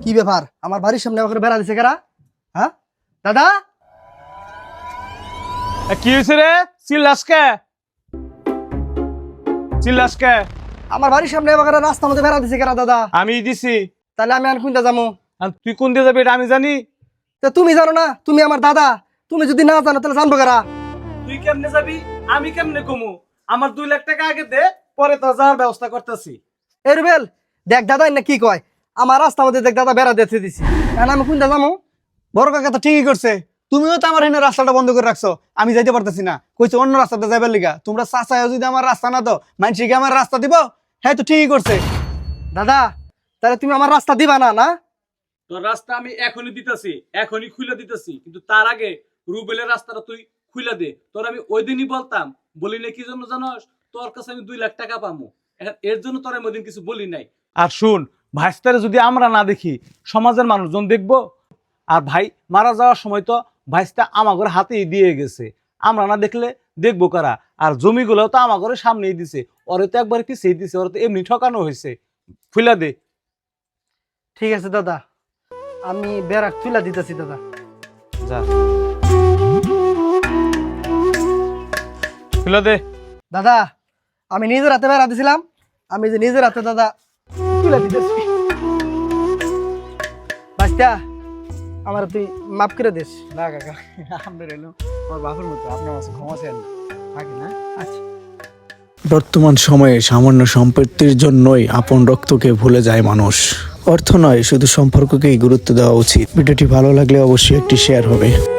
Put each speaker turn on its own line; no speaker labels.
কি ব্যাপার আমার বাড়ির সামনে আমাকে বেড়া দিছে কারা? হ্যাঁ দাদা
কি হয়েছে রে? চিল্লাসকে
আমার বাড়ির সামনে আমাকে রাস্তার মধ্যে বেড়া দিছে কারা দাদা?
আমি দিছি।
তাহলে আমি আর কোনটা যাবো?
আর তুই কোন দিয়ে যাবি এটা আমি জানি।
তা তুমি জানো না, তুমি আমার দাদা, তুমি যদি না জানো তাহলে জানবো কারা?
তুই কেমনে যাবি আমি কেমনে কমু? আমার 2 লাখ টাকা আগে দে, পরে তো যাওয়ার ব্যবস্থা করতেছি।
এ রুবেল দেখ দাদা না কি কয়, আমার রাস্তার মধ্যে দেখ দাদা বেড়া দিতে দিছি, এখন আমি কোনটা যাবো?
বড় কাকা তো ঠিকই করছে, তুমিও তো আমার এখানে রাস্তাটা বন্ধ করে রাখছো, আমি যাইতে পারতেছি না, কইছো অন্য রাস্তাতে যাইবার লিগা। তোমরা চাচায় যদি আমার রাস্তা না দাও, মানুষকে আমার রাস্তা দিব? হ্যাঁ তো ঠিকই করছে।
দাদা তাহলে তুমি আমার রাস্তা দিবা না? না
তোর রাস্তা আমি এখনই দিতেছি, এখনই খুলে দিতেছি, কিন্তু তার আগে রুবেলের রাস্তাটা তুই খুলে দে। তোর আমি ওই দিনই বলতাম, বলি না কি জন্য জানোস? তোর কাছে আমি 2 লাখ টাকা পাবো, এর জন্য তোর আমি ওই দিন কিছু বলি নাই। আর শুন, ভাইস্তারে যদি আমরা না দেখি সমাজের মানুষজন দেখবো। আর ভাই মারা যাওয়ার সময় তো ভাইস্তা আমাগর হাতেই দিয়ে গেছে, আমরা না দেখলে দেখবো কারা? আর জমিগুলো তো আমাগরের সামনেই দিছে, ওরে তো একবার পিছিয়ে দিছে, ওরে তো এমনি ঠকানো হয়েছে। খুলে দে।
ঠিক আছে দাদা, আমি বেড়া তুলা দিতেছি দাদা।
যা খুলে দে।
দাদা আমি নিজের হাতে বেড়া দিছিলাম, আমি যে নিজের হাতে দাদা তুলে দিতেছি। বাস্তা আমার তুই মাফ করে দিস।
না কাকা, আপনার এলো আমার বাপের মতো, আপনার কাছে ক্ষমা চান থাকি না।
আচ্ছা
বর্তমান সময়ে সামান্য সম্পত্তির জন্যই আপন রক্তকে ভুলে যায় মানুষ। অর্থ নয়, শুধু সম্পর্ককেই গুরুত্ব দেওয়া উচিত। ভিডিওটি ভালো লাগলে অবশ্যই একটি শেয়ার হবে।